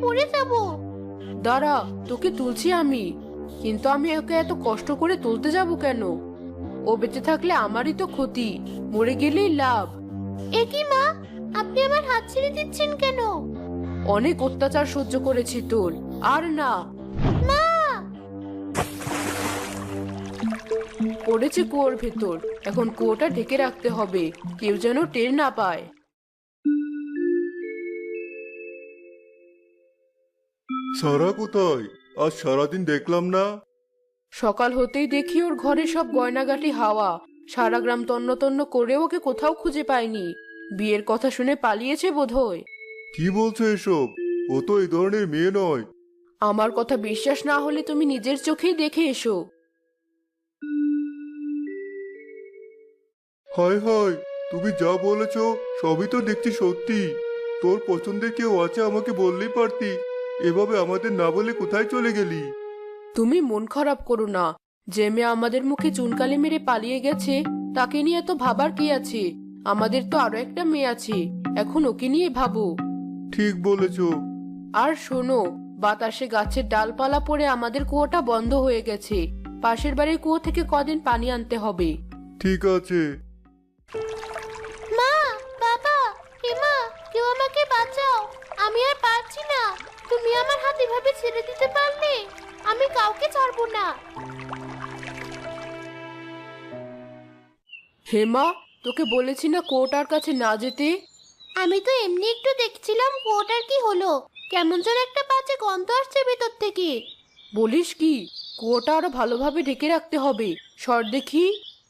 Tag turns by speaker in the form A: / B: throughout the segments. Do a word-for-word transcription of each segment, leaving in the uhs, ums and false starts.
A: পড়ে যাব।
B: দাঁড়া, তোকে তুলছি আমি। কিন্তু আমি ওকে এত কষ্ট করে তুলতে যাব কেন? ও বেঁচে থাকলে আমারই তো ক্ষতি, মরে গেলেই লাভ।
A: এ কি মা, আপনি আমার হাত ছেড়ে দিচ্ছেন কেন?
B: অনেক অত্যাচার সহ্য করেছি তোর, আর না।
A: মা!
B: পড়েছে কুয়োর ভেতর, এখন কুয়োটা ঢেকে রাখতে হবে, কেউ যেন টের না পায়।
C: সারা কোথায়? আজ সারাদিন দেখলাম না।
B: সকাল হতেই দেখি ওর ঘরে সব গয়নাগাটি হাওয়া। সারা গ্রাম তন্ন তন্ন করে ওকে কোথাও খুঁজে পাইনি। বিয়ের কথা শুনে পালিয়েছে বোধহয়।
C: কি বলছো এসব? ও তো এই ধরনের মেয়ে নয়।
B: আমার কথা বিশ্বাস না হলে তুমি নিজের চোখেই দেখে এসো।
C: হায় হায়, তুমি যা বলেছ সবই তো দেখছি সত্যি। তোর পছন্দের কেউ আছে আমাকে বললেই পারতি। এভাবে আমাদের না বলে কোথায় চলে গেলি?
B: তুমি মন খারাপ করো না। যে মেয়ে আমাদের মুখে চুনকালি মেরে পালিয়ে গেছে তাকে নিয়ে এত ভাবার কি আছে? আমাদের তো আরো একটা মেয়ে আছে, এখন ওকে নিয়ে ভাবো।
C: ঠিক বলেছ।
B: আর শোনো, বাতাসে গাছের ডালপালা পড়ে আমাদের কুয়োটা বন্ধ হয়ে গেছে। পাশের বাড়ির কুয়ো থেকে কদিন পানি আনতে হবে।
C: ঠিক আছে।
A: মা, বাবা, এমা, কেউ আমাকে বাঁচাও। আমি আর পারছি না। তুমি আমার হাত এভাবে ছেড়ে দিতে পারলে? আমি কাউকে ছাড়বো না।
B: হেমা, তোকে বলেছি না কুয়োটার কাছে না যেতে?
A: আমি তো এমনি একটু দেখছিলাম কুয়োটার কি হলো। কেমন যেন একটা বাজে গন্ধ আসছে ভেতর থেকে।
B: বলিস কি? কুয়োটা আরো ভালোভাবে ঢেকে রাখতে হবে। সর দেখি।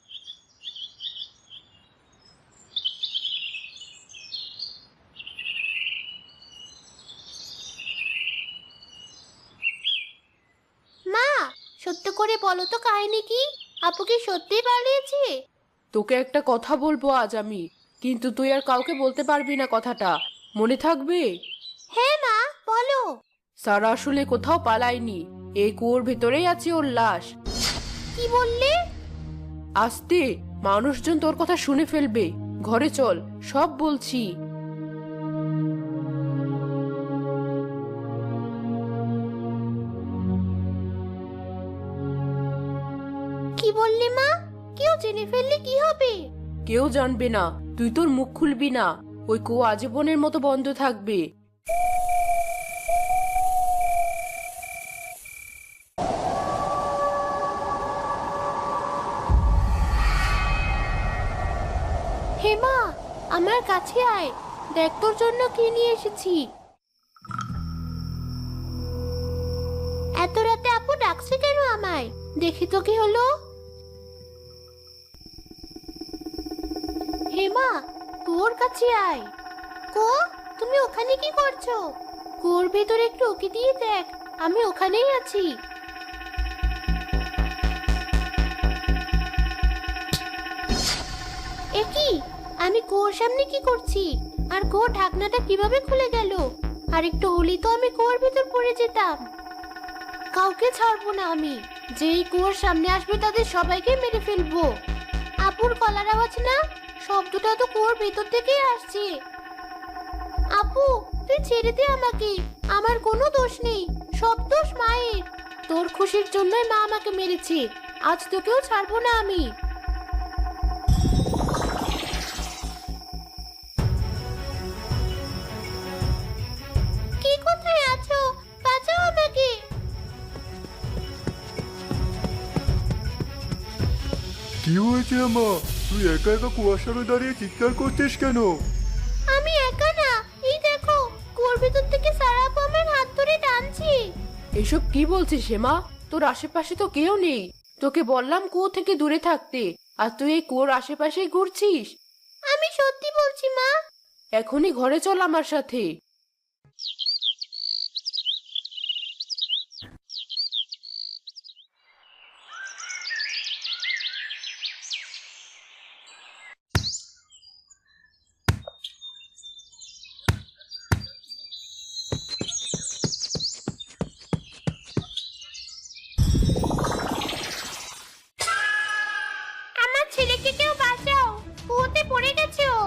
A: মা, সত্য করে বলো তো কাহিনী কি? আপু কি সত্যিই পালিয়েছে?
B: তোকে একটা কথা বলবো আজ আমি, কিন্তু তুই আর কাউকে বলতে পারবি না কথাটা, মনে থাকবে?
A: হ্যাঁ মা, বলো।
B: সারা আসলে কোথাও পালায়নি, এই কুয়োর ভেতরেই আছে ওর লাশ।
A: কি বললে?
B: আস্তে, মানুষজন তোর কথা শুনে ফেলবে। ঘরে চল, সব বলছি।
A: কি বললে মা? কেউ জেনে ফেললে কি হবে?
B: কেউ জানবে না, তুই তোর মুখ খুলবি না। ওই কুয়ো আজীবনের মতো বন্ধ থাকবে।
A: হেমা, আমার কাছে আয়। দেখ তোর জন্য কি নিয়ে এসেছি। এত রাতে আপু ডাকছে কেন আমায়? দেখি তো কি হলো। হেমা, তোর কাছে আয়। কো, তুমি ওখানে কি করছো? কুয়োর ভেতরে একটু উকি দিয়ে দেখ, আমি ওখানেই আছি। এ কি? আমি কুয়োর সামনে কি করছি? আর কুয়োর ঢাকনাটা কিভাবে খুলে গেল? আর একটু হলেই তো আমি কুয়োর ভেতর পড়ে যেতাম। কাউকে ছাড়বো না আমি। যেই কুয়োর সামনে আসবে তাদের সবাইকে মেরে ফেলবো। আপুর গলার আওয়াজ না? শব্দটা তো কুয়োর ভেতর থেকেই আসছে। আপু, তুই ছেড়ে দে আমাকে। আমার কোনো দোষ নেই, সব দোষ মায়ের। তোর খুশির জন্যই মা আমাকে মেরেছে। আজ তোকেও ছাড়বো না আমি। কে কোথায় আছো? বাঁচাও আমাকে।
C: কি হয়েছে আমা? তুই একা একা কুয়ার সামনে দাঁড়িয়ে চিৎকার করছিস কেন?
A: আমি একা না, এই দেখো কুয়োর ভেতর থেকে সারা আপু আমার হাত ধরে টানছে।
B: এসব কি বলছিস হেমা? তোর আশেপাশে তো কেউ নেই। তোকে বললাম কুয়ো থেকে দূরে থাকতে, আর তুই এই কুয়োর আশেপাশেই ঘুরছিস।
A: আমি সত্যি বলছি মা।
B: এখনই ঘরে চল আমার সাথে।
A: আমার ছেলেকে কেউ বাঁচাও, কুয়োতে পড়ে গেছে ও।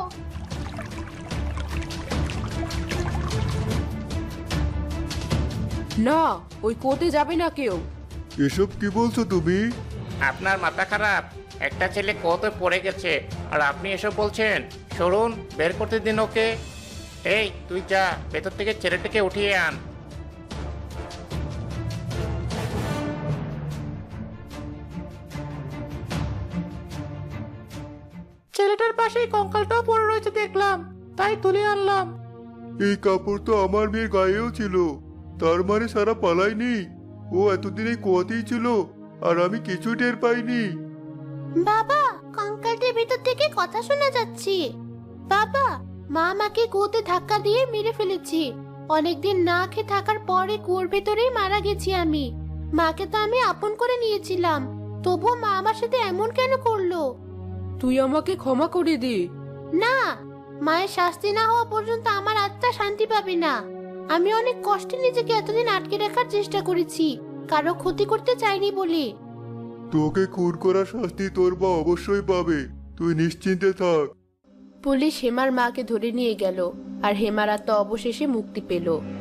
B: না, ওই কুয়োতে যাবে না কেউ।
C: এসব কি বলছো তুমি?
D: আপনার মাথা খারাপ? একটা ছেলে কত পড়ে গেছে আর আপনি এসব বলছেন? সরুন, বের করতে দিন ওকে। এই তুই যা, ভেতর থেকে ছেলেটাকে উঠিয়ে আন। ছেলেটার পাশেই কঙ্কালটাও পড়ে রয়েছে দেখলাম, তাই তুলে আনলাম।
C: এই কাপড় তো আমার মেয়ের গায়েও ছিল, তার মানে সারা পালায়নি। ও এতদিন এই কুয়াতেই ছিল আর আমি কিছু টের পাইনি।
A: বাবা, কঙ্কালটির ভিতর থেকে কথা শোনা যাচ্ছে। বাবা, মা আমাকে কুয়োতে ধাক্কা দিয়ে মেরে ফেলেছি। অনেকদিন না খেয়ে থাকার পরে কুয়োর ভেতরেই মারা গেছি আমি। মাকে তো আমি আপন করে নিয়েছিলাম, তবুও মা আমার সাথে এমন কেন করলো?
B: তুই আমাকে ক্ষমা করে দে।
A: না, মায়ের শাস্তি না হওয়া পর্যন্ত আমার আত্মা শান্তি পাবে না। আমি অনেক কষ্টে নিজেকে এতদিন আটকে রাখার চেষ্টা করেছি, কারো ক্ষতি করতে চাইনি বলে।
C: তোকে খুন করার শাস্তি তোর মা অবশ্যই পাবে, তুই নিশ্চিন্তে থাক।
B: পুলিশ হেমার মাকে ধরে নিয়ে গেল আর হেমার আত্মা অবশেষে মুক্তি পেল।